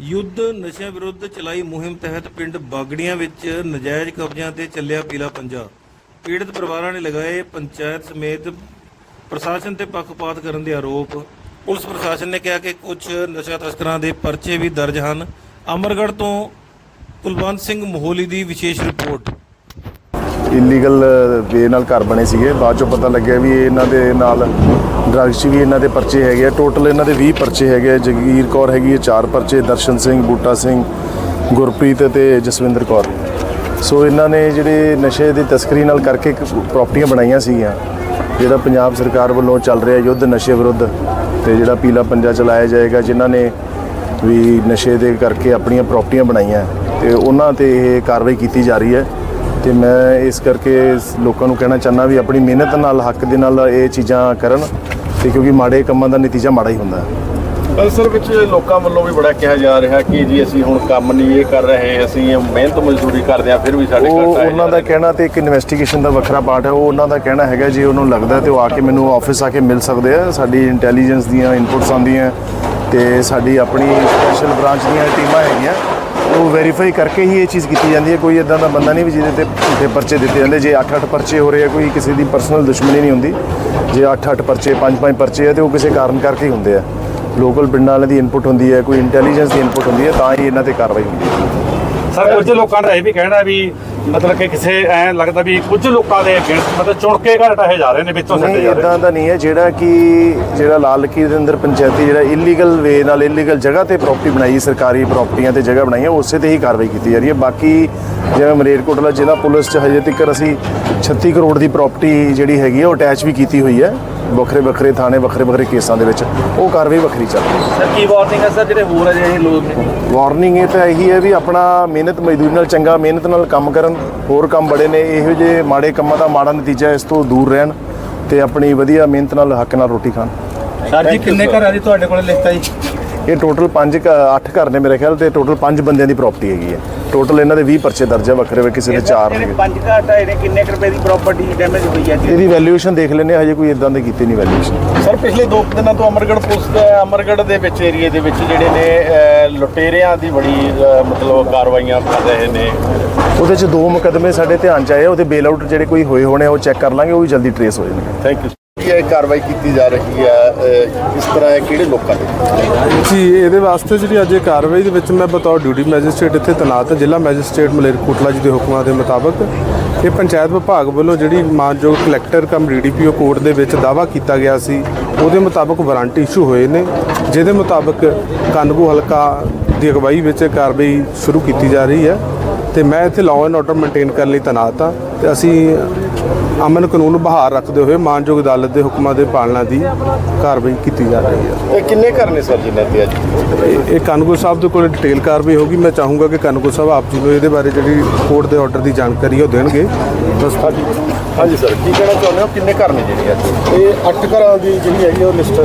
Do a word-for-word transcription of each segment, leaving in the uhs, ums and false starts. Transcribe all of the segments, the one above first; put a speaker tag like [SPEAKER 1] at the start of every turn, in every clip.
[SPEAKER 1] युद्ध नशे विरुद्ध चलाई मुहिम तहत पिंड बागड़ियां विच नजायज़ कब्जियां ते ਚੱਲਿਆ पीला पंजा। पीड़ित परिवारां ने लगाए पंचायत समेत प्रशासन ते पक्षपात करन दे आरोप। पुलिस प्रशासन ने कहा कि कुछ नशा तस्करां दे परचे भी दर्ज हैं। अमरगढ़ तो कुलवंत सिंह मोहोली की विशेष रिपोर्ट।
[SPEAKER 2] ਇਲੀਗਲ ਵੇ ਨਾਲ ਘਰ ਬਣੇ ਸੀਗੇ। ਬਾਅਦ 'ਚੋਂ ਪਤਾ ਲੱਗਿਆ ਵੀ ਇਹਨਾਂ ਦੇ ਨਾਲ ਡਰੱਗਸ 'ਚ ਵੀ ਇਹਨਾਂ ਦੇ ਪਰਚੇ ਹੈਗੇ ਆ। ਟੋਟਲ ਇਹਨਾਂ ਦੇ ਵੀਹ ਪਰਚੇ ਹੈਗੇ ਆ। ਜਗੀਰ ਕੌਰ ਹੈਗੀ ਹੈ ਚਾਰ ਪਰਚੇ, ਦਰਸ਼ਨ ਸਿੰਘ, ਬੂਟਾ ਸਿੰਘ, ਗੁਰਪ੍ਰੀਤ ਅਤੇ ਜਸਵਿੰਦਰ ਕੌਰ। ਸੋ ਇਹਨਾਂ ਨੇ ਜਿਹੜੇ ਨਸ਼ੇ ਦੀ ਤਸਕਰੀ ਨਾਲ ਕਰਕੇ ਪ੍ਰਾਪਰਟੀਆਂ ਬਣਾਈਆਂ ਸੀਗੀਆਂ। ਜਿਹੜਾ ਪੰਜਾਬ ਸਰਕਾਰ ਵੱਲੋਂ ਚੱਲ ਰਿਹਾ ਯੁੱਧ ਨਸ਼ੇ ਵਿਰੁੱਧ ਅਤੇ ਜਿਹੜਾ ਪੀਲਾ ਪੰਜਾ ਚਲਾਇਆ ਜਾਏਗਾ, ਜਿਨ੍ਹਾਂ ਨੇ ਵੀ ਨਸ਼ੇ ਦੇ ਕਰਕੇ ਆਪਣੀਆਂ ਪ੍ਰਾਪਰਟੀਆਂ ਬਣਾਈਆਂ ਅਤੇ ਉਹਨਾਂ 'ਤੇ ਇਹ ਕਾਰਵਾਈ ਕੀਤੀ ਜਾ ਰਹੀ ਹੈ। ਅਤੇ ਮੈਂ ਇਸ ਕਰਕੇ ਲੋਕਾਂ ਨੂੰ ਕਹਿਣਾ ਚਾਹੁੰਦਾ ਵੀ ਆਪਣੀ ਮਿਹਨਤ ਨਾਲ ਹੱਕ ਦੇ ਨਾਲ ਇਹ ਚੀਜ਼ਾਂ ਕਰਨ, ਅਤੇ ਕਿਉਂਕਿ ਮਾੜੇ ਕੰਮਾਂ ਦਾ ਨਤੀਜਾ ਮਾੜਾ ਹੀ ਹੁੰਦਾ ਹੈ।
[SPEAKER 3] ਅਸਲ ਵਿੱਚ ਲੋਕਾਂ ਵੱਲੋਂ ਵੀ ਬੜਾ ਕਿਹਾ ਜਾ ਰਿਹਾ ਕਿ ਜੀ ਅਸੀਂ ਹੁਣ ਕੰਮ ਨਹੀਂ ਇਹ ਕਰ ਰਹੇ, ਅਸੀਂ ਮਿਹਨਤ ਮਜ਼ਦੂਰੀ ਕਰਦੇ ਹਾਂ, ਫਿਰ ਵੀ ਸਾਡੇ
[SPEAKER 2] ਉਹ ਉਹਨਾਂ ਦਾ ਕਹਿਣਾ ਅਤੇ ਇੱਕ ਇਨਵੈਸਟੀਗੇਸ਼ਨ ਦਾ ਵੱਖਰਾ ਪਾਰਟ ਹੈ। ਉਹ ਉਹਨਾਂ ਦਾ ਕਹਿਣਾ ਹੈਗਾ ਜੇ ਉਹਨੂੰ ਲੱਗਦਾ ਤਾਂ ਉਹ ਆ ਕੇ ਮੈਨੂੰ ਆਫਿਸ ਆ ਕੇ ਮਿਲ ਸਕਦੇ ਆ। ਸਾਡੀ ਇੰਟੈਲੀਜੈਂਸ ਦੀਆਂ ਇਨਪੁਟਸ ਆਉਂਦੀਆਂ ਅਤੇ ਸਾਡੀ ਆਪਣੀ ਸਪੈਸ਼ਲ ਬ੍ਰਾਂਚ ਦੀਆਂ ਟੀਮਾਂ ਹੈਗੀਆਂ, ਉਹ ਵੈਰੀਫਾਈ ਕਰਕੇ ਹੀ ਇਹ ਚੀਜ਼ ਕੀਤੀ ਜਾਂਦੀ ਹੈ। ਕੋਈ ਇੱਦਾਂ ਦਾ ਬੰਦਾ ਨਹੀਂ ਵੀ ਜਿਹਦੇ 'ਤੇ ਝੂਠੇ ਪਰਚੇ ਦਿੱਤੇ ਜਾਂਦੇ। ਜੇ ਅੱਠ ਅੱਠ ਪਰਚੇ ਹੋ ਰਹੇ ਆ, ਕੋਈ ਕਿਸੇ ਦੀ ਪਰਸਨਲ ਦੁਸ਼ਮਣੀ ਨਹੀਂ ਹੁੰਦੀ। ਜੇ ਅੱਠ ਅੱਠ ਪਰਚੇ ਪੰਜ ਪੰਜ ਪਰਚੇ ਆ ਤਾਂ ਉਹ ਕਿਸੇ ਕਾਰਨ ਕਰਕੇ ਹੀ ਹੁੰਦੇ ਆ। ਲੋਕਲ ਪਿੰਡਾਂ ਵਾਲਿਆਂ ਦੀ ਇਨਪੁਟ ਹੁੰਦੀ ਹੈ, ਕੋਈ ਇੰਟੈਲੀਜੈਂਸ ਦੀ ਇਨਪੁਟ ਹੁੰਦੀ ਹੈ, ਤਾਂ ਹੀ ਇਹਨਾਂ 'ਤੇ ਕਾਰਵਾਈ ਹੁੰਦੀ ਹੈ।
[SPEAKER 4] ਸਰ ਕੁਝ ਲੋਕਾਂ ਦਾ ਇਹ ਵੀ ਕਹਿਣਾ ਵੀ ਮਤਲਬ ਕਿ ਕਿਸੇ ਐਂ ਲੱਗਦਾ ਵੀ ਕੁਝ ਲੋਕਾਂ ਦੇ ਮਤਲਬ ਚੁਣ ਕੇ ਘਰ ਢਾਹੇ ਜਾ ਰਹੇ ਨੇ, ਵਿੱਚੋਂ ਸੱਟੇ ਜਾ ਰਹੇ।
[SPEAKER 2] ਇੱਦਾਂ ਦਾ ਨਹੀਂ ਹੈ। ਜਿਹੜਾ ਕਿ ਜਿਹੜਾ ਲਾਲ ਲਕੀਰ ਦੇ ਅੰਦਰ ਪੰਚਾਇਤੀ ਜਿਹੜਾ ਇਲੀਗਲ ਵੇ ਨਾਲ ਇਲੀਗਲ ਜਗ੍ਹਾ 'ਤੇ ਪ੍ਰਾਪਰਟੀ ਬਣਾਈ, ਸਰਕਾਰੀ ਪ੍ਰਾਪਰਟੀਆਂ 'ਤੇ ਜਗ੍ਹਾ ਬਣਾਈ ਹੈ, ਉਸੇ 'ਤੇ ਹੀ ਕਾਰਵਾਈ ਕੀਤੀ ਜਾ ਰਹੀ ਹੈ। ਬਾਕੀ ਜਿਵੇਂ ਮਲੇਰਕੋਟਲਾ ਜ਼ਿਲ੍ਹਾ ਪੁਲਿਸ 'ਚ ਹਜੇ ਤੱਕ ਅਸੀਂ ਛੱਤੀ ਕਰੋੜ ਦੀ ਪ੍ਰਾਪਰਟੀ ਜਿਹੜੀ ਹੈਗੀ ਹੈ ਉਹ ਅਟੈਚ ਵੀ ਕੀਤੀ ਹੋਈ ਹੈ, ਵੱਖਰੇ ਵੱਖਰੇ ਥਾਣੇ ਵੱਖਰੇ ਵੱਖਰੇ ਕੇਸਾਂ ਦੇ ਵਿੱਚ। ਉਹ ਕਾਰਵਾਈ ਵੱਖਰੀ ਚੱਲ ਰਹੀ ਹੈ।
[SPEAKER 3] ਸਰ ਕੀ ਵਾਰਨਿੰਗ ਹੈ ਸਰ ਜਿਹੜੇ ਹੋਰ ਅਜਿਹੇ ਲੋਕ ਨੇ?
[SPEAKER 2] ਵਾਰਨਿੰਗ ਇਹ ਤਾਂ ਇਹੀ ਹੈ ਵੀ ਆਪਣਾ ਮਿਹਨਤ ਮਜ਼ਦੂਰੀ ਨਾਲ ਚੰਗਾ ਮਿਹਨਤ ਨਾਲ ਕੰਮ ਕਰਨ। ਹੋਰ ਕੰਮ ਬੜੇ ਨੇ, ਇਹੋ ਜਿਹੇ ਮਾੜੇ ਕੰਮਾਂ ਦਾ ਮਾੜਾ ਨਤੀਜਾ ਇਸ ਤੋਂ ਦੂਰ ਰਹਿਣ ਅਤੇ ਆਪਣੀ ਵਧੀਆ ਮਿਹਨਤ ਨਾਲ ਹੱਕ ਨਾਲ ਰੋਟੀ ਖਾਣ।
[SPEAKER 3] ਸਰ ਜੀ ਕਿੰਨੇ ਘਰਾਂ ਦੀ ਤੁਹਾਡੇ ਕੋਲ ਲਿਸਟ ਹੈ ਜੀ?
[SPEAKER 2] ਇਹ ਟੋਟਲ ਪੰਜ ਅੱਠ ਘਰ ਨੇ ਮੇਰੇ ਖਿਆਲ, ਅਤੇ ਟੋਟਲ ਪੰਜ ਬੰਦਿਆਂ ਦੀ ਪ੍ਰਾਪਰਟੀ ਹੈਗੀ ਹੈ। ਟੋਟਲ ਇਹਨਾਂ ਦੇ ਵੀਹ ਪਰਚੇ ਦਰਜ ਹੈ, ਵੱਖਰੇ ਵੱਖਰੇ ਕਿਸੇ ਦੇ ਚਾਰ ਨੇ।
[SPEAKER 3] ਪੰਜ ਘਰ ਢਾਏ ਨੇ, ਕਿੰਨੇ ਕੁ ਰੁਪਏ ਦੀ ਪ੍ਰਾਪਰਟੀ ਡੈਮੇਜ ਹੋਈ ਹੈ ਜੀ?
[SPEAKER 2] ਇਹਦੀ ਵੈਲਿਊਏਸ਼ਨ ਦੇਖ ਲੈਂਦੇ, ਹਜੇ ਕੋਈ ਇਦਾਂ ਦੀ ਕੀਤੀ ਨਹੀਂ ਵੈਲਿਊਏਸ਼ਨ।
[SPEAKER 3] ਸਰ ਪਿਛਲੇ ਦੋ ਦਿਨਾਂ ਤੋਂ ਅਮਰਗੜ੍ਹ ਪੁਲਿਸ ਦੇ ਅਮਰਗੜ੍ਹ ਦੇ ਵਿੱਚ ਏਰੀਏ ਦੇ ਵਿੱਚ ਜਿਹੜੇ ਨੇ ਲੁਟੇਰਿਆਂ ਦੀ ਬੜੀ ਮਤਲਬ ਕਾਰਵਾਈਆਂ ਕਰ ਰਹੇ ਨੇ।
[SPEAKER 2] ਉਹਦੇ 'ਚ ਦੋ ਮੁਕੱਦਮੇ ਸਾਡੇ ਧਿਆਨ 'ਚ ਆਏ। ਉਹਦੇ ਬੇਲ ਆਊਟ ਜਿਹੜੇ ਕੋਈ ਹੋਏ ਹੋਣੇ ਉਹ ਚੈੱਕ ਕਰ ਲਾਂਗੇ, ਉਹ ਵੀ ਜਲਦੀ ਟਰੇਸ ਹੋ ਜਾਣਗੇ।
[SPEAKER 3] Thank you. ਇਹ ਕਾਰਵਾਈ ਕੀਤੀ ਜਾ ਰਹੀ ਹੈ ਇਸ ਤਰ੍ਹਾਂ ਹੈ ਕਿਹੜੇ ਲੋਕਾਂ ਦੇ
[SPEAKER 5] ਜੀ? ਇਹਦੇ ਵਾਸਤੇ ਜਿਹੜੀ ਅੱਜ ਕਾਰਵਾਈ ਦੇ ਵਿੱਚ ਮੈਂ ਬਤੌਰ ਡਿਊਟੀ ਮੈਜਿਸਟ੍ਰੇਟ ਇੱਥੇ ਤੈਨਾਤ ਹਾਂ। ਜ਼ਿਲ੍ਹਾ ਮੈਜਿਸਟ੍ਰੇਟ ਮਲੇਰਕੋਟਲਾ ਜੀ ਦੇ ਹੁਕਮਾਂ ਦੇ ਮੁਤਾਬਕ ਇਹ ਪੰਚਾਇਤ ਵਿਭਾਗ ਵੱਲੋਂ ਜਿਹੜੀ ਮਾਨਯੋਗ collector cum D D P O court ਦੇ ਵਿੱਚ ਦਾਅਵਾ ਕੀਤਾ ਗਿਆ ਸੀ, ਉਹਦੇ ਮੁਤਾਬਕ ਵਾਰੰਟ ਇਸ਼ੂ ਹੋਏ ਨੇ, ਜਿਹਦੇ ਮੁਤਾਬਕ ਕਾਨਗੋ ਹਲਕਾ ਦੀ ਅਗਵਾਈ ਵਿੱਚ ਕਾਰਵਾਈ ਸ਼ੁਰੂ ਕੀਤੀ ਜਾ ਰਹੀ ਹੈ। ਅਤੇ ਮੈਂ ਇੱਥੇ ਲਾਅ ਐਂਡ ਆਰਡਰ ਮੇਨਟੇਨ ਕਰਨ ਲਈ ਤੈਨਾਤ ਹਾਂ, ਅਤੇ ਅਸੀਂ ਅਮਨ ਕਾਨੂੰਨ ਬਹਾਲ ਰੱਖਦੇ ਹੋਏ ਮਾਨਯੋਗ ਅਦਾਲਤ ਦੇ ਹੁਕਮਾਂ ਦੇ ਪਾਲਣਾ ਦੀ ਕਾਰਵਾਈ ਕੀਤੀ ਜਾ ਰਹੀ ਹੈ।
[SPEAKER 3] ਇਹ ਕਿੰਨੇ ਘਰ ਨੇ ਸਰ ਜਿਨ੍ਹਾਂ ਤੇ ਅੱਜ
[SPEAKER 5] ਇਹ ਕਾਨੂੰਗੋ ਸਾਹਿਬ ਦੇ ਕੋਲ ਡਿਟੇਲ ਕਾਰਵਾਈ ਹੋਗੀ। ਮੈਂ ਚਾਹੂੰਗਾ ਕਿ ਕਾਨੂੰਗੋ ਸਾਹਿਬ ਆਪ ਜੀ ਨੂੰ ਇਹਦੇ ਬਾਰੇ ਜਿਹੜੀ ਕੋਰਟ ਦੇ ਆਰਡਰ ਦੀ ਜਾਣਕਾਰੀ ਉਹ ਦੇਣਗੇ। ਬਸ
[SPEAKER 3] ਹਾਂਜੀ ਹਾਂਜੀ ਸਰ ਕੀ ਕਹਿਣਾ ਚਾਹੁੰਦੇ ਹੋ? ਕਿੰਨੇ ਘਰ ਨੇ ਜਿਹੜੇ ਅੱਜ?
[SPEAKER 6] ਇਹ ਅੱਠ ਘਰਾਂ ਦੀ ਜਿਹੜੀ ਹੈਗੀ ਉਹ ਲਿਸਟ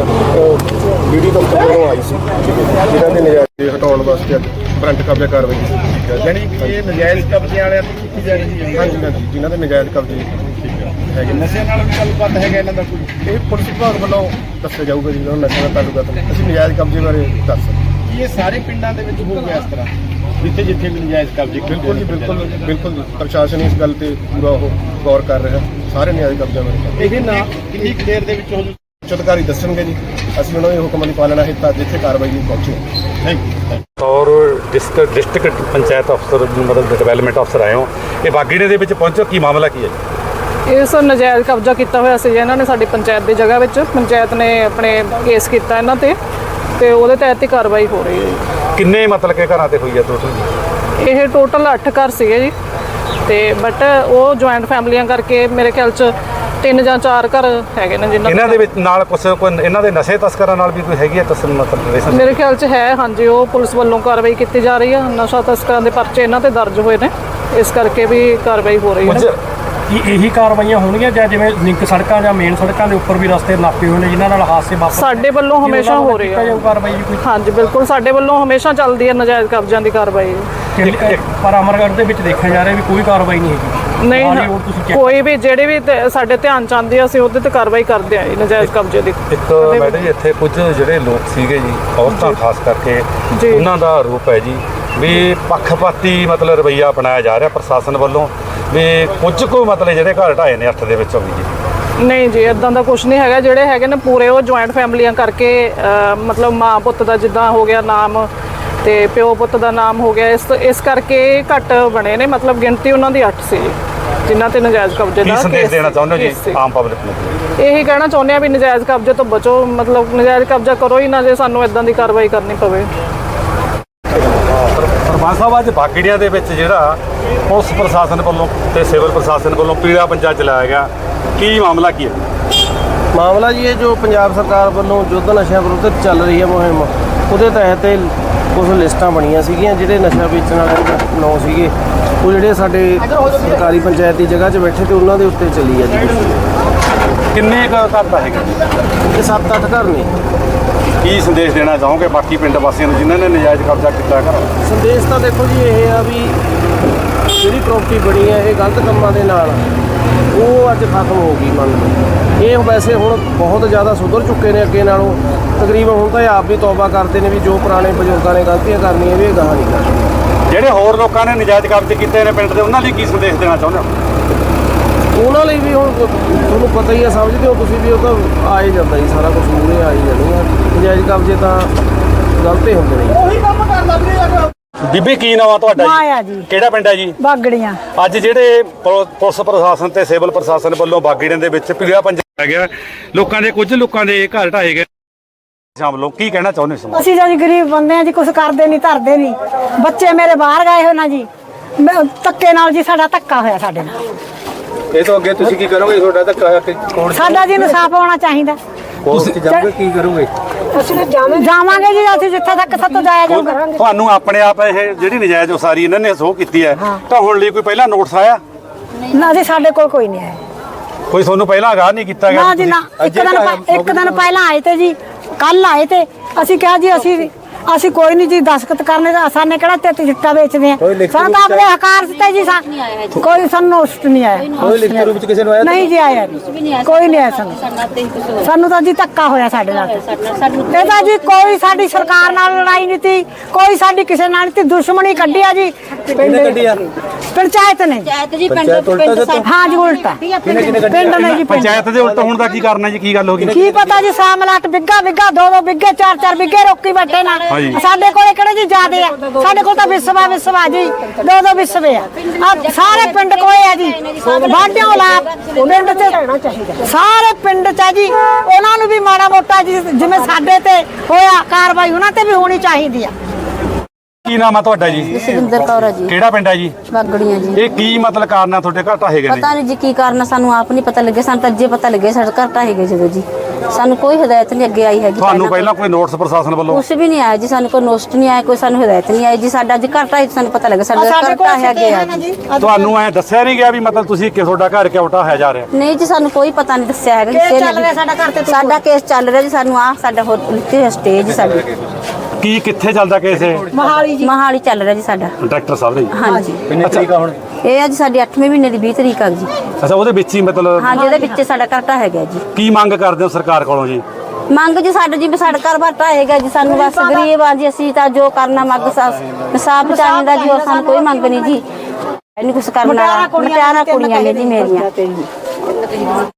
[SPEAKER 6] ਡੀ ਡੀ ਦਫ਼ਤਰ ਵੱਲੋਂ ਆਈ ਸੀ, ਜਿਹਨਾਂ ਦੇ ਨਜਾਇਜ਼ ਹਟਾਉਣ ਵਾਸਤੇ ਫਰੰਟ ਕਬਜ਼ਾ ਕਾਰਵਾਈ ਕੀਤੀ।
[SPEAKER 3] ਯਾਨੀ ਕਿ ਇਹ ਨਜਾਇਜ਼ ਕਬਜ਼ੇ ਵਾਲਿਆਂ ਤੇ ਕੀਤੀ ਜਾ ਰਹੀ ਹੈ?
[SPEAKER 6] ਹਾਂਜੀ ਹਾਂਜੀ, ਜਿਨ੍ਹਾਂ ਦੇ ਨਜਾਇਜ਼ ਕਬਜ਼ੇ ਹੈਗੇ।
[SPEAKER 3] ਨਸ਼ੇ ਨਾਲ ਵੀ ਗੱਲਬਾਤ ਹੈਗਾ ਇਹਨਾਂ ਦਾ ਕੋਈ?
[SPEAKER 6] ਇਹ ਪੁਲਿਸ ਵਿਭਾਗ ਵੱਲੋਂ ਦੱਸਿਆ ਜਾਊਗਾ ਜੀ, ਉਹਨਾਂ ਨਸ਼ਿਆਂ ਦਾ ਤਾਲੁਕਾਤ ਨਹੀਂ। ਅਸੀਂ ਨਜਾਇਜ਼ ਕਬਜ਼ੇ ਬਾਰੇ ਦੱਸ ਸਕਦੇ।
[SPEAKER 3] ਕੀ ਇਹ ਸਾਰੇ ਪਿੰਡਾਂ ਦੇ ਵਿੱਚ ਹੋ ਗਿਆ ਇਸ ਤਰ੍ਹਾਂ ਜਿੱਥੇ ਜਿੱਥੇ ਵੀ ਨਜਾਇਜ਼ ਕਬਜ਼ੇ?
[SPEAKER 6] ਬਿਲਕੁਲ ਜੀ, ਬਿਲਕੁਲ ਬਿਲਕੁਲ ਜੀ। ਪ੍ਰਸ਼ਾਸਨ ਇਸ ਗੱਲ ਤੇ ਪੂਰਾ ਉਹ ਗੌਰ ਕਰ ਰਿਹਾ ਸਾਰੇ ਨਜਾਇਜ਼ ਕਬਜ਼ਿਆਂ ਬਾਰੇ।
[SPEAKER 3] ਇਹਦੇ ਨਾਲ ਕਿੰਨੀ ਕੁ ਦੇਰ ਦੇ ਵਿੱਚ ਹੋ ਜੂ?
[SPEAKER 6] ਉੱਚ ਅਧਿਕਾਰੀ ਦੱਸਣਗੇ ਜੀ। ਅਸੀਂ ਉਹਨਾਂ ਦੇ ਹੁਕਮਾਂ ਦੀ ਪਾਲਣਾ ਹਿੱਤ ਅੱਜ ਇੱਥੇ ਕਾਰਵਾਈ ਲਈ ਪਹੁੰਚੇ।
[SPEAKER 3] Thank you.
[SPEAKER 4] ਔਰ ਡਿਸਟ੍ਰਿਕਟ ਡਿਸਟ੍ਰਿਕਟ ਪੰਚਾਇਤ ਅਫਸਰ ਮਤਲਬ ਡਿਵੈਲਪਮੈਂਟ ਅਫਸਰ ਆਏ ਹੋ, ਇਹ ਬਾਗੀਣੇ ਦੇ ਵਿੱਚ ਪਹੁੰਚੋ, ਕੀ ਮਾਮਲਾ ਕੀ ਹੈ?
[SPEAKER 7] ਇਹ ਸਰ ਨਜਾਇਜ਼ ਕਬਜ਼ਾ ਕੀਤਾ ਹੋਇਆ ਸੀ ਇਹਨਾਂ ਨੇ ਸਾਡੀ ਪੰਚਾਇਤ ਦੀ ਜਗ੍ਹਾ ਵਿੱਚ। ਪੰਚਾਇਤ ਨੇ ਆਪਣੇ ਕੇਸ ਕੀਤਾ ਇਹਨਾਂ ਤੇ, ਤੇ ਉਹਦੇ ਤਹਿਤ ਹੀ ਕਾਰਵਾਈ ਹੋ ਰਹੀ ਹੈ ਜੀ।
[SPEAKER 4] ਕਿੰਨੇ ਮਤਲਬ ਕਿ ਘਰਾਂ ਤੇ ਹੋਈ ਹੈ ਟੋਟਲ?
[SPEAKER 7] ਇਹ ਟੋਟਲ ਅੱਠ ਘਰ ਸੀਗੇ ਜੀ, ਤੇ ਬਟ ਉਹ ਜੁਆਇੰਟ ਫੈਮਲੀਆਂ ਕਰਕੇ ਮੇਰੇ ਖਿਆਲ 'ਚ ਤਿੰਨ ਜਾਂ ਚਾਰ ਘਰ ਹੈਗੇ ਨੇ ਜਿਨ੍ਹਾਂ
[SPEAKER 4] ਇਹਨਾਂ ਦੇ ਵਿੱਚ ਨਾਲ ਕੁਛ ਕੋਈ ਇਹਨਾਂ ਦੇ ਨਸ਼ੇ ਤਸਕਰਾਂ ਨਾਲ ਵੀ ਕੋਈ ਹੈਗੀ ਹੈ ਤਸਲ ਮਤਲਬ?
[SPEAKER 7] ਮੇਰੇ ਖਿਆਲ 'ਚ ਹੈ, ਹਾਂਜੀ। ਉਹ ਪੁਲਿਸ ਵੱਲੋਂ ਕਾਰਵਾਈ ਕੀਤੀ ਜਾ ਰਹੀ ਹੈ। ਨਸ਼ਾ ਤਸਕਰਾਂ ਦੇ ਪਰਚੇ ਇਹਨਾਂ ਤੇ ਦਰਜ ਹੋਏ ਨੇ, ਇਸ ਕਰਕੇ ਵੀ ਕਾਰਵਾਈ ਹੋ ਰਹੀ ਹੈ।
[SPEAKER 8] ਕੀ ਇਹੀ ਕਾਰਵਾਈਆਂ ਹੋਣਗੀਆਂ ਜਾਂ ਜਿਵੇਂ ਲਿੰਕ ਸੜਕਾਂ ਜਾਂ ਮੇਨ ਸੜਕਾਂ ਦੇ ਉੱਪਰ ਵੀ ਰਸਤੇ ਨਾਪੇ ਹੋਏ ਨੇ ਜਿਨ੍ਹਾਂ ਨਾਲ ਹਾਦਸੇ ਵਾਪਰ?
[SPEAKER 7] ਸਾਡੇ ਵੱਲੋਂ ਹਮੇਸ਼ਾ ਹੋ ਰਹੀ ਹੈ
[SPEAKER 8] ਕਾਰਵਾਈ ਕੋਈ?
[SPEAKER 7] ਹਾਂਜੀ ਬਿਲਕੁਲ, ਸਾਡੇ ਵੱਲੋਂ ਹਮੇਸ਼ਾ ਚੱਲਦੀ ਹੈ ਨਜਾਇਜ਼ ਕਬਜ਼ਿਆਂ ਦੀ ਕਾਰਵਾਈ।
[SPEAKER 8] ਪਰ ਅਮਰਗੜ੍ਹ ਦੇ ਵਿੱਚ ਦੇਖਿਆ ਜਾ ਰਿਹਾ ਵੀ ਕੋਈ ਕਾਰਵਾਈ ਨਹੀਂ ਹੈਗੀ।
[SPEAKER 7] ਨਹੀਂ
[SPEAKER 8] ਨਾਲ ਹੀ ਹੋਰ ਤੁਸੀਂ check
[SPEAKER 7] ਕੋਈ ਵੀ ਜਿਹੜੇ ਵੀ ਤੇ ਸਾਡੇ ਧਿਆਨ ਚ ਆਉਂਦੇ ਆ ਅਸੀਂ ਉਹਦੇ ਤੇ ਕਾਰਵਾਈ ਕਰਦੇ ਆ ਜੀ, ਨਜਾਇਜ਼ ਕਬਜ਼ੇ ਦੀ।
[SPEAKER 4] ਇੱਕ ਮੈਡਮ ਜੀ ਇੱਥੇ ਕੁਝ ਜਿਹੜੇ ਲੋਕ ਸੀਗੇ ਜੀ ਔਰਤਾਂ ਖਾਸ ਕਰਕੇ
[SPEAKER 7] ਜੀ।
[SPEAKER 4] ਉਹਨਾਂ ਦਾ ਆਰੋਪ ਹੈ ਜੀ ਵੀ ਪੱਖਪਾਤੀ ਮਤਲਬ ਰਵੱਈਆ ਅਪਣਾਇਆ ਜਾ ਰਿਹਾ ਪ੍ਰਸ਼ਾਸਨ ਵੱਲੋਂ, ਵੀ ਕੁਝ ਕੁ ਮਤਲਬ ਜਿਹੜੇ ਘਰ ਢਾਏ ਨੇ ਅੱਠ ਦੇ ਵਿੱਚੋਂ ਵੀ ਜੀ।
[SPEAKER 7] ਨਹੀਂ ਜੀ, ਇਦਾਂ ਦਾ ਕੁਝ ਨਹੀਂ ਹੈਗਾ। ਜਿਹੜੇ ਹੈਗੇ ਨੇ ਪੂਰੇ ਉਹ ਜੁਆਇੰਟ ਫੈਮਲੀਆਂ ਕਰਕੇ ਅਹ, ਮਤਲਬ ਮਾਂ ਪੁੱਤ ਦਾ ਜਿੱਦਾਂ ਹੋ ਗਿਆ ਨਾਮ ਤੇ ਪਿਓ ਪੁੱਤ ਦਾ ਨਾਮ ਹੋ ਗਿਆ, ਇਸ ਇਸ ਕਰਕੇ ਘੱਟ ਬਣੇ ਨੇ। ਮਤਲਬ ਗਿਣਤੀ ਉਹਨਾਂ ਦੀ ਅੱਠ ਸੀ ਜੀ, ਜਿਨ੍ਹਾਂ ਤੇ ਨਜਾਇਜ਼ ਕਬਜ਼ੇ
[SPEAKER 4] ਕੀ
[SPEAKER 7] ਦਾ
[SPEAKER 4] ਸੰਦੇਸ਼
[SPEAKER 7] ਕੇਸ-
[SPEAKER 4] ਦੇਣਾ ਚਾਹੁੰਦੇ ਹੋ
[SPEAKER 7] ਕੇਸ ਸੀ।
[SPEAKER 4] ਜੀ ਆਮ ਪਬਲਿਕ ਨੂੰ?
[SPEAKER 7] ਇਹੀ ਕਹਿਣਾ ਚਾਹੁੰਦੇ ਆ ਵੀ ਨਜਾਇਜ਼ ਕਬਜ਼ੇ ਤੋਂ ਬਚੋ, ਮਤਲਬ ਨਜਾਇਜ਼ ਕਬਜ਼ਾ ਕਰੋ ਹੀ ਨਾ ਜੇ ਸਾਨੂੰ ਇਦਾਂ ਦੀ ਕਾਰਵਾਈ ਕਰਨੀ ਪਵੇ।
[SPEAKER 4] ਸਰਪੰਚ ਸਾਹਿਬ ਅੱਜ ਬਾਗੜੀਆਂ ਦੇ ਵਿੱਚ ਜਿਹੜਾ ਪੁਲਿਸ ਪ੍ਰਸ਼ਾਸਨ ਵੱਲੋਂ ਤੇ ਸਿਵਲ ਪ੍ਰਸ਼ਾਸਨ ਵੱਲੋਂ ਪੀਲਾ ਪੰਜਾ ਚਲਾਇਆ ਗਿਆ, ਕੀ ਮਾਮਲਾ ਕੀ ਹੈ?
[SPEAKER 6] ਮਾਮਲਾ ਜੀ ਇਹ ਜੋ ਪੰਜਾਬ ਸਰਕਾਰ ਵੱਲੋਂ ਯੁੱਧ ਨਸ਼ਿਆਂ ਵਿਰੁੱਧ ਚੱਲ ਰਹੀ ਹੈ ਮੁਹਿੰਮ, ਉਹਦੇ ਤਹਿਤ ਇਹ ਕੁਝ ਲਿਸਟਾਂ ਬਣੀਆਂ ਸੀਗੀਆਂ ਜਿਹੜੇ ਨਸ਼ਾ ਵੇਚਣ ਵਾਲੇ ਦੇ ਨਾਂ ਸੀਗੇ, ਉਹ ਜਿਹੜੇ ਸਾਡੇ ਸਰਕਾਰੀ ਪੰਚਾਇਤ ਦੀ ਜਗ੍ਹਾ 'ਚ ਬੈਠੇ ਤੇ ਉਹਨਾਂ ਦੇ ਉੱਤੇ ਚੱਲੀ ਆ ਜੀ।
[SPEAKER 4] ਕਿੰਨੇ ਕੁ ਘਰ ਦਾ ਹੈਗਾ?
[SPEAKER 6] ਇਹ ਸੱਤ ਅੱਠ ਘਰ ਨੇ।
[SPEAKER 4] ਕੀ ਸੰਦੇਸ਼ ਦੇਣਾ ਚਾਹੋਗੇ ਬਾਕੀ ਪਿੰਡ ਵਾਸੀਆਂ ਨੂੰ ਜਿਨ੍ਹਾਂ ਨੇ ਨਜਾਇਜ਼ ਕਬਜ਼ਾ ਕੀਤਾ ਘਰ?
[SPEAKER 6] ਸੰਦੇਸ਼ ਤਾਂ ਦੇਖੋ ਜੀ ਇਹ ਆ ਵੀ ਜਿਹੜੀ ਪ੍ਰਾਪਰਟੀ ਬਣੀ ਹੈ ਇਹ ਗਲਤ ਕੰਮਾਂ ਦੇ ਨਾਲ ਉਹ ਅੱਜ ਖਤਮ ਹੋ ਗਈ ਮੰਨ ਲਓ। ਇਹ ਵੈਸੇ ਹੁਣ ਬਹੁਤ ਜ਼ਿਆਦਾ ਸੁਧਰ ਚੁੱਕੇ ਨੇ ਅੱਗੇ ਨਾਲੋਂ, ਤਕਰੀਬਨ ਹੁਣ ਤਾਂ ਇਹ ਆਪ ਵੀ ਤੌਬਾ ਕਰਦੇ ਨੇ ਵੀ ਜੋ ਪੁਰਾਣੇ ਬਜ਼ੁਰਗਾਂ ਨੇ ਗਲਤੀਆਂ ਕਰਨੀਆਂ ਵੀ ਇਹ ਗਾਹਾਂ ਨਹੀਂ ਕਰਨੀ।
[SPEAKER 4] ਜਿਹੜੇ ਹੋਰ ਲੋਕਾਂ ਨੇ ਨਜਾਇਜ਼ ਕਬਜ਼ੇ ਕੀਤੇ ਨੇ ਪਿੰਡ ਦੇ, ਉਹਨਾਂ ਲਈ ਕੀ ਸੰਦੇਸ਼ ਦੇਣਾ ਚਾਹੁੰਦੇ ਹੋ?
[SPEAKER 6] ਉਹਨਾਂ ਲਈ ਵੀ ਹੁਣ ਤੁਹਾਨੂੰ ਪਤਾ ਹੀ ਹੈ, ਸਮਝਦੇ ਹੋ ਤੁਸੀਂ ਵੀ, ਉਹ ਤਾਂ ਆ ਹੀ ਜਾਂਦਾ ਜੀ, ਸਾਰਾ ਕੁਝ ਮੂਹਰੇ ਆ ਹੀ ਜਾਂਦੀਆਂ। ਨਜਾਇਜ਼ ਕਬਜ਼ੇ ਤਾਂ ਗਲਤੇ ਹੁੰਦੇ ਨੇ।
[SPEAKER 4] ਬੀਬੀ ਕੀ ਨਾਮ ਆ ਤੁਹਾਡਾ
[SPEAKER 9] ਮਾਇਆ ਜੀ।
[SPEAKER 4] ਕਿਹੜਾ ਪਿੰਡ ਹੈ ਜੀ?
[SPEAKER 9] ਬਾਗੜੀਆਂ।
[SPEAKER 4] ਅੱਜ ਜਿਹੜੇ ਪੁ- ਪੁਲਿਸ ਪ੍ਰਸ਼ਾਸਨ ਤੇ ਸਿਵਲ ਪ੍ਰਸ਼ਾਸਨ ਵੱਲੋਂ ਬਾਗੜੀਆਂ ਦੇ ਵਿੱਚ ਪੀਲਾ ਪੰਜਾ ਆ ਗਿਆ, ਲੋਕਾਂ ਦੇ ਕੁਝ ਲੋਕਾਂ ਦੇ ਘਰ ਢਾਏ ਗਏ ਸ਼ਾਮਲੋਂ, ਕੀ ਕਹਿਣਾ ਚਾਹੁੰਦੇ ਹੋ?
[SPEAKER 9] ਅਸੀਂ ਜੀ ਗਰੀਬ ਬੰਦੇ ਆ ਜੀ, ਕੁਝ ਕਰਦੇ ਨਹੀਂ ਧਰਦੇ ਨਹੀਂ। ਬੱਚੇ ਮੇਰੇ ਬਾਹਰ ਗਏ ਹੋਏ ਨਾ ਜੀ, ਮੈਂ- ਧੱਕੇ ਨਾਲ ਜੀ ਸਾਡਾ ਧੱਕਾ ਹੋਇਆ ਸਾਡੇ ਨਾਲ।
[SPEAKER 6] ਇਹ ਤੋਂ ਅੱਗੇ ਤੁਸੀਂ ਕੀ ਕਰੋਗੇ? ਤੁਹਾਡਾ ਤਾਂ ਕੋਰਟ
[SPEAKER 9] ਸਾਡਾ ਜੀ ਇਨਸਾਫ ਹੋਣਾ ਚਾਹੀਦਾ।
[SPEAKER 6] ਕੋਰਟ 'ਚ ਜਾਓਗੇ ਕੀ ਕਰੋਗੇ?
[SPEAKER 9] ਅਸੀਂ ਜਾਵਾਂਗੇ ਜੀ, ਅਸੀਂ ਜਿੱਥੇ ਤੱਕ ਸਾਤੋਂ ਜਾਇਆ ਜਾਊ ਕਰਾਂਗੇ।
[SPEAKER 4] ਤੁਹਾਨੂੰ ਆਪਣੇ ਆਪ ਇਹ ਜਿਹੜੀ ਨਜਾਇਜ਼ ਉਸਾਰੀ ਇਹਨਾਂ ਨੇ ਸੋਹ ਕੀਤੀ ਹੈ ਤਾਂ ਹੁਣ ਲਈ ਕੋਈ ਪਹਿਲਾਂ ਨੋਟਿਸ ਆਇਆ?
[SPEAKER 9] ਨਾ ਜੀ ਸਾਡੇ ਕੋਲ ਕੋਈ ਨਹੀਂ ਆਇਆ।
[SPEAKER 4] ਕੋਈ ਤੁਹਾਨੂੰ ਪਹਿਲਾਂ ਆਗਾਹ ਨਹੀਂ ਕੀਤਾ ਗਿਆ?
[SPEAKER 9] ਨਾ ਜੀ ਨਾ, ਇੱਕ ਦਿਨ ਪ- ਇੱਕ ਦਿਨ ਪਹਿਲਾਂ ਆਏ ਤੇ ਜੀ, ਕੱਲ ਆਏ ਤੇ ਅਸੀਂ ਕਿਹਾ ਜੀ ਅਸੀਂ ਅਸੀਂ ਕੋਈ ਨਹੀਂ ਜੀ ਦਸਖਤ ਕਰਨੇ ਦਾ, ਸਾਨੇ ਕਿਹੜਾ ਤੇ ਚਿੱਟਾ ਵੇਚਦੇ ਆ, ਸਾਨੂੰ ਤਾਂ ਆਪਣੇ ਹਕਾਰ ਦਿੱਤਾ ਜੀ। ਸਾ- ਕੋਈ ਸਾਨੂੰ ਨੋਟਿਸ ਨਹੀਂ ਆਇਆ।
[SPEAKER 6] ਕੋਈ ਲਿਖਤੀ ਰੂਪ 'ਚ ਕਿਸੇ ਨੂੰ ਆਇਆ?
[SPEAKER 9] ਨਹੀਂ ਜੀ ਆਇਆ ਨਹੀਂ, ਕੋਈ ਨਹੀਂ ਆਇਆ ਸਾਨੂੰ। ਸਾਨੂੰ ਤਾਂ ਜੀ ਧੱਕਾ ਹੋਇਆ ਸਾਡੇ ਨਾਲ। ਇਹ ਤਾਂ ਜੀ ਕੋਈ ਸਾਡੀ ਸਰਕਾਰ ਨਾਲ ਲੜਾਈ ਨਹੀਂ ਤੀ, ਕੋਈ ਸਾਡੀ ਕਿਸੇ ਨਾਲ ਨਹੀਂ ਤੀ, ਦੁਸ਼ਮਣੀ ਕੱਢੀ ਆ ਜੀ
[SPEAKER 6] ਕਿਹਨੇ ਕੱਢੀ ਆ?
[SPEAKER 9] ਪੰਚਾਇਤ ਨੇ।
[SPEAKER 6] ਪੰਚਾਇਤ ਉਲਟਾ ਦਿੱਤਾ?
[SPEAKER 9] ਹਾਂ ਜੀ ਉਲਟਾ ਪਿੰਡ ਨੇ ਜੀ। ਪਿੰਡ
[SPEAKER 4] ਪੰਚਾਇਤ ਦੇ ਉਲਟ ਹੋਣ ਦਾ ਕੀ ਕਾਰਨ ਹੈ ਜੀ? ਕੀ ਗੱਲ ਹੋ ਗਈ?
[SPEAKER 9] ਕੀ ਪਤਾ ਜੀ, ਸਾਮਲਾਟ ਬਿੱਗਾ ਬਿੱਗਾ ਦੋ ਦੋ ਬਿੱਗੇ ਚਾਰ ਚਾਰ ਬਿੱਗੇ ਰੋਕੀ ਬੈਠੇ ਨਾ। ਸਾਡੇ ਕੋਲੇ ਕਿਹੜੇ ਜੀ ਜ਼ਿਆਦੇ ਆ, ਸਾਡੇ ਕੋਲ ਤਾਂ ਵਿਸਵਾ ਵਿਸਵਾ ਜੀ ਦੋ ਦੋ ਵਿਸਵੇ ਆ। ਆਹ ਸਾਰੇ ਪਿੰਡ ਕੋਲੇ ਆ ਜੀ, ਬਾਡਿਓ ਲਾ ਪਿੰਡ ਚ ਸਾਰੇ ਪਿੰਡ ਚ ਆ ਜੀ। ਉਹਨਾਂ ਨੂੰ ਵੀ ਮਾੜਾ ਮੋਟਾ ਜੀ ਜਿਵੇਂ ਸਾਡੇ ਤੇ ਹੋਇਆ ਕਾਰਵਾਈ ਉਹਨਾਂ ਤੇ ਵੀ ਹੋਣੀ ਚਾਹੀਦੀ ਆ।
[SPEAKER 4] ਕੀ ਨਾਮ ਆ ਤੁਹਾਡਾ ਜੀ?
[SPEAKER 10] ਜਸਵਿੰਦਰ ਕੌਰ ਆ ਜੀ।
[SPEAKER 4] ਕਿਹੜਾ ਪਿੰਡ ਹੈ ਜੀ?
[SPEAKER 10] ਬਾਗੜੀਆਂ ਜੀ।
[SPEAKER 4] ਇਹ ਕੀ ਮਤਲਬ ਕਾਰਨ ਆ ਤੁਹਾਡੇ ਘਰ ਢਾਹੇ ਗਏ ਨੇ?
[SPEAKER 10] ਪਤਾ ਨਹੀਂ ਜੀ ਕੀ ਕਾਰਨ ਆ, ਸਾਨੂੰ ਆਪ ਨਹੀਂ ਪਤਾ ਲੱਗਿਆ। ਸਾਨੂੰ ਤਾਂ ਅੱਜੇ ਪਤਾ ਲੱਗਿਆ ਸਾਡੇ ਘਰ ਢਾਹੇ ਗਏ ਜਦੋਂ ਜੀ। ਸਾਨੂੰ ਕੋਈ ਹਦਾਇਤ ਨਹੀਂ ਅੱਗੇ ਆਈ ਹੈਗੀ।
[SPEAKER 4] ਤੁਹਾਨੂੰ ਪਹਿਲਾਂ ਕੋਈ ਨੋਟਿਸ ਪ੍ਰਸ਼ਾਸਨ ਵੱਲੋਂ?
[SPEAKER 10] ਕੁਛ ਵੀ ਨਹੀਂ ਆਇਆ ਜੀ, ਸਾਨੂੰ ਕੋਈ ਨੋਟਿਸ ਨਹੀਂ ਆਇਆ, ਕੋਈ ਸਾਨੂੰ ਹਦਾਇਤ ਨਹੀਂ ਆਈ ਜੀ। ਸਾਡਾ ਅੱਜ ਘਰ ਢਾਹੇ ਸਾਨੂੰ ਪਤਾ ਲੱਗਾ ਸਾਡਾ ਘਰ ਢਾਹਿਆ ਗਿਆ ਜੀ।
[SPEAKER 4] ਤੁਹਾਨੂੰ ਐ ਦੱਸਿਆ ਨਹੀਂ ਗਿਆ ਵੀ ਮਤਲਬ ਤੁਸੀਂ ਕਿ ਤੁਹਾਡਾ ਘਰ ਕਿਉਂ ਢਾਹਿਆ ਜਾ ਰਿਹਾ?
[SPEAKER 10] ਨਹੀਂ ਜੀ, ਸਾਨੂੰ ਕੋਈ ਪਤਾ ਨਹੀਂ ਦੱਸਿਆ ਹੈਗਾ
[SPEAKER 9] ਕੇਸ
[SPEAKER 10] ਕਿਸੇ
[SPEAKER 9] ਚੱਲ ਰਿਹਾ
[SPEAKER 10] ਨੇ।
[SPEAKER 9] ਸਾਡਾ ਘਰ ਤੇ।
[SPEAKER 10] ਸਾਡਾ ਕੇਸ ਚੱਲ ਰਿਹਾ ਜੀ, ਸਾਨੂੰ ਆ ਸਾਡਾ ਹੋਰ ਲਿਖੀ ਹੋਈ ਸਟੇਜ ਸਾਡੀ
[SPEAKER 4] ਕੀ ਕਿੱਥੇ ਚੱਲਦਾ ਕੇਸ ਇਹ?
[SPEAKER 9] ਮਹਾਲੀ ਜੀ।
[SPEAKER 10] ਮਹਾਲੀ ਚੱਲ ਰਿਹਾ ਜੀ ਸਾਡਾ।
[SPEAKER 4] ਡਾਇਰੈਕਟਰ ਸਾਹਿਬ ਦੇ?
[SPEAKER 10] ਹਾਂਜੀ।
[SPEAKER 6] ਕਿੰਨੀ ਤਰੀਕ ਆ ਹੁਣ?
[SPEAKER 10] ਇਹ ਅੱਜ ਸਾਡੀ ਅੱਠਵੇਂ ਮਹੀਨੇ ਦੀ ਵੀਹ ਤਰੀਕ ਆ ਜੀ।
[SPEAKER 4] ਅੱਛਾ, ਉਹਦੇ ਵਿੱਚ ਹੀ ਮਤਲਬ
[SPEAKER 10] ਹਾਂਜੀ, ਉਹਦੇ ਵਿੱਚ ਸਾਡਾ ਘਰ ਢਾਹਿਆ ਗਿਆ ਜੀ।
[SPEAKER 4] ਕੀ ਮੰਗ ਕਰਦੇ ਹੋ ਸਰਕਾਰ ਕੋਲੋਂ ਜੀ?
[SPEAKER 10] ਮੰਗ ਜੀ ਸਾਡਾ ਜੀ ਵੀ ਸਾਡਾ ਘਰ ਬਾਰ ਢਾਹੇਗਾ ਜੀ। ਸਾਨੂੰ ਬਸ ਗਰੀਬ ਆ ਜੀ, ਅਸੀਂ ਤਾਂ ਜੋ ਕਰਨਾ ਮੰਗ ਇਨਸਾਫ ਚਾਹੀਦਾ ਜੀ, ਹੋਰ ਸਾਨੂੰ ਕੋਈ ਮੰਗ ਨਹੀਂ ਜੀ। ਇਹਨੂੰ ਕੁਛ ਕਰਨਾ, ਮਟਿਆਰਾਂ ਕੁੜੀਆਂ ਨੇ ਜੀ ਮੇਰੀਆਂ।